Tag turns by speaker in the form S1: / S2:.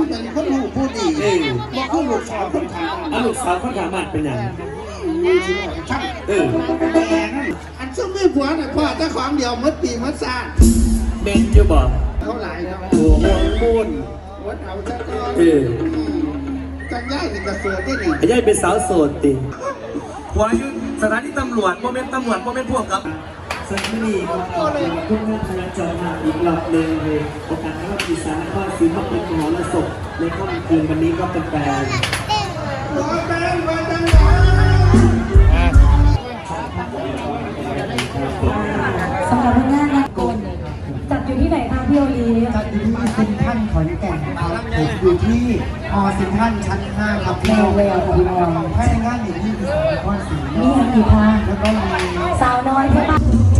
S1: เป็นคนหูผู้ดีบอกคือลูกสาวคนขาง
S2: ลูกสาวคนขางบ้านเป็นอย่าง
S1: ช่างอันซึ่งไม่ผัวเนี่ยพ่อเจ้าของเดียวมัดปีมัดซ่า
S2: เบนจะบอก
S1: เขาหลายนะ
S2: โอ้โหมูน
S1: วัดเอาเจ้าจังย่ายเป็นกระเสือได้หนิ
S2: ย่ายเป็นสาวโสดติหัวยุ่สถานีตำรวจโมเมนต์ตำรวจโมเมนต์พวกกับสักทีครับขอบคุณทุกท่านคณะจอมาอีกรอบหนึ่งเลยโอกาสที่ว่าอีสานนครศรีธรรมราชมหรสพในค่ำคืนวันนี้ก็เป็นแฟน
S3: สำหรับงานนักกลจัดอยู่ที่ไหนคะพี่โอลี
S4: จัดอยู่ที่เซ็นทรัลขอนแก่นครับผมอยู่ที่ฮอเซ็นทรัลชั้น 5ครับพี่น้อง
S3: พี่น้อง
S4: ภายในงานมีที่สาวก้อนสี
S3: มีกี่พา
S4: แล้วก็มี
S3: สาวน้อยใช่ปะ